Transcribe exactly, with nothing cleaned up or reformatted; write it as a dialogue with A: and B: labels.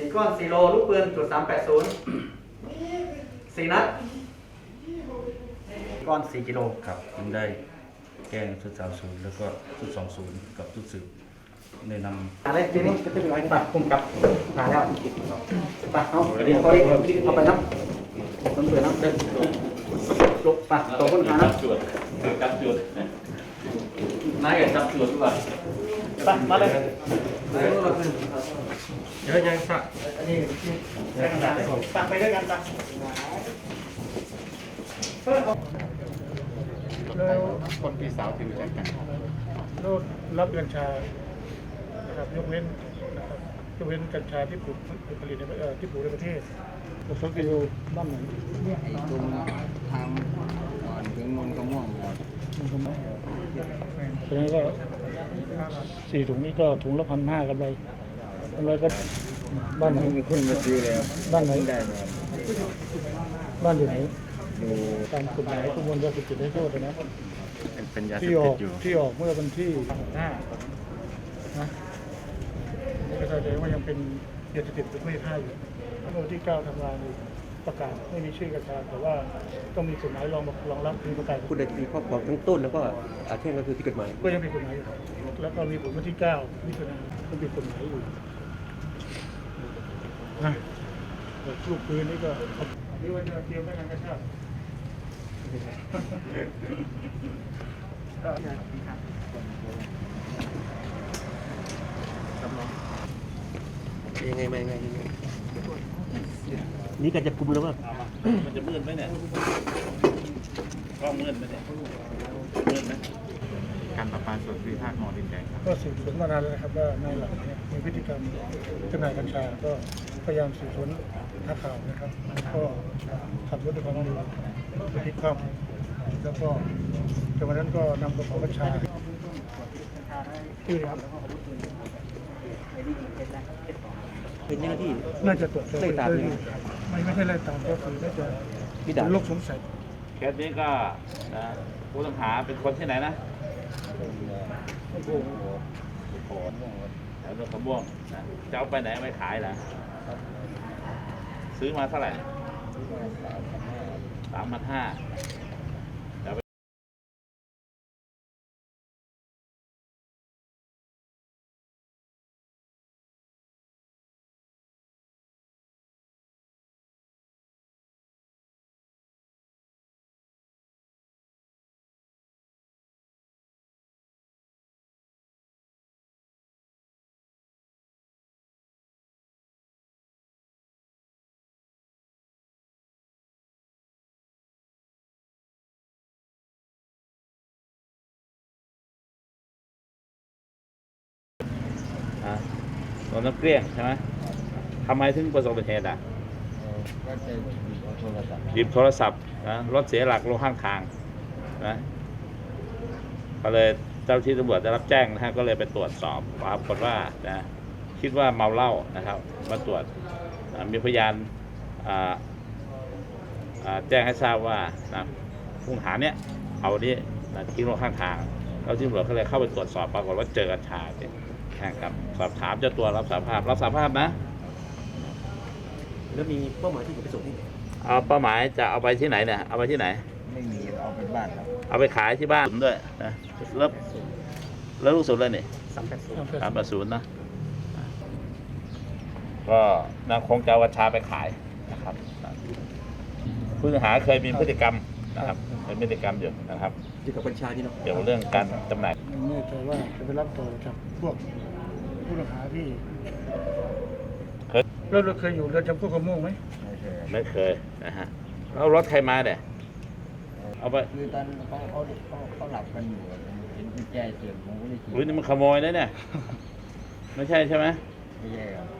A: ก้อนสี่โลลูกปืนจุดสามแปดศูนย์สี่นัดก้อนสี่กิโล
B: ครับจึงได้แจ้งชุดสามศูนย์แล้วก็ชุดสองศูนย์กับชุดสืบได้นำ
A: อะไรทีนี้ก็จะเป็นอะไรตัดคุมกับมาแล้วไปเอาเดี๋ยวเขาเอาไปนับต้นเสือนับเดินลบไปตัวคนขานับ
C: จวดจับจวดนายกับจับจวดดีกว่า
A: ไปมาเลย
B: เยอะยังสัก
A: อันนี้ใช้กระดาษตักไปด้วยกันตัก
D: แล้วคนพี่สาวที่รู้จักกันแล้วรับกัญชานะครับยกเว้นนะครับยกเว้นกัญชาที่ปลูกผลิตในเอ่อที่ปลูกในประเทศผมสังเกตดูบ้านไหน
E: ตรงทางก่อนถึงนนกระม่วงก่อน
D: มันก็ไม่เพราะฉะนั้นก็สี่ถุงนี้ก็ถุงละพันห้ากำไรกำไรก็บ้านไหน
E: มีคนมาซื้อแล้ว
D: บ้านไหน
E: ได้ไหม
D: บ้านอยู่ไหน
E: อยู่
D: ตามกฎหมายประมวลยาเสพติดให้โทษนะ
E: เป็นยาเสพ
D: ที่อ
E: ติ
D: อ
E: ด
D: ก
E: อยู่
D: ที่ออกเมื่อวันที่ห้านะนี่ก็แสดงว่ายังเป็นยาเสพติดประเภทห้าอยู่เมื่อวันที่เก้าธันวาคมประกาศไม่มีชื่อกัญชาแต่ว่าต้องมีกฎหมายรองรองรับคือประกาศ
F: ผู้ใดมีครอบครองทั้งต้นแล้วก็อาเช่นก็คือที่กฎหมาย
D: ก็ยังมีกฎหมายอยู่แล้วก็มีผลวันที่เก้ามิถุนายนก็มีกฎหมายอยู่นะแต่ลูกปืนนี่ก็นี่ว่าจะเตรียมไว้งานกระชาก
F: ยังไงมายังไงยังไงนี่การจับกลุ่มแล้วว่า
C: มันจะมืดไหมเนี่ยกล้องมืดไหมเนี่ยมืดไหม
D: การประปาส่วนภูมิภาคมอดินแดงก็สืบสวนมานานแล้วนะครับว่านายหลังเนี่ยมีพฤติกรรมจำหน่ายกัญชาก็พยายามสืบสวนหาข่าวนะครับก็ขับรถด้วยความเร็วไปพลิกคว่ำแล้วก็จากวันนั้นก็นำกระเป๋ากัญชาที่ครับ
F: เป็นเจ้าหน้าที่
D: น่าจะตรวจสอบ
F: ไล่ตาม
D: ไม่ไม่ใช่ไล่ตามก็คือน่าจะ
F: มีด่าน
D: เป็นโรคสงสัย
C: เคสนี้ก็นะผู้ต้องหาเป็นคนที่ไหนนะโขนแถวโนนขม่วงนะจะเอาไปไหนไปขายนะซื้อมาเท่าไหร่สามพันห้าอ่ะโดนน้ำเกลี้ยงใช่ไหมทำไมถึงประสบอุบัติเหตุอ่ะ
E: ก็จะเอาโทรศัพท์
C: หยิบโทรศัพท์นะรถเสียหลักลงข้างทางนะก็เลยเจ้าที่ตำรวจได้รับแจ้งนะฮะก็เลยไปตรวจสอบปรากฏว่านะคิดว่าเมาเหล้านะครับมาตรวจนะมีพยานอ่าอ่าแจ้งให้ทราบว่านะผู้ต้องหาเนี้ยเอานี้นะทิ้งลงข้างทางแล้วที่ตำรวจก็เลยเข้าไปตรวจสอบปรากฏว่าเจอกัญชาเนี่ยนะครับสอบถามเจ้าตัวรับสารภาพรับสารภาพนะ
F: แล้วมีเป้าหมายที่จะไปส่งที่ไหน
C: เอาเป้าหมายจะเอาไปที่ไหนเนี่ยเอาไปที่ไหน
E: ไม่มีเอาไปบ้านครับ
C: เอาไปขายที่บ้านด้วยนะแล้วแล้วลูกสุดเลยนี่
F: สามแปดศูนย์
C: สามแปดศูนย์นะก็นางคงจะเอากัญชาไปขายนะครับผู้ต้องหาเคยมีพฤติกรรมนะครับเป็นพฤติกรรมอยู่นะครับ
F: เกี่ยวกับกัญชานี่เนาะ
C: เกี่ยวกับเรื่องการจำหน่าย
D: ไม่แน่ใจว่าจะไปรับต่อจากพวกผู้ต้องหาที่
C: เคย
D: แล้วเราเคยอยู่เรือนจำพวกกระโม่งไหม
E: ไม่ใช่
C: ไม่เคยนะฮะแล้วรถใครมาเนี่ยเอาไป
E: คือตอนเขาเขาเขาเขาหลับกันอยู่เห็นกุญแจเสียบผมก็เลยขี่
C: อุ้ยนี่มันขโมยนะเนี่ยไม่ใช่ใช่ไหม
E: ไม่ใช่ครับ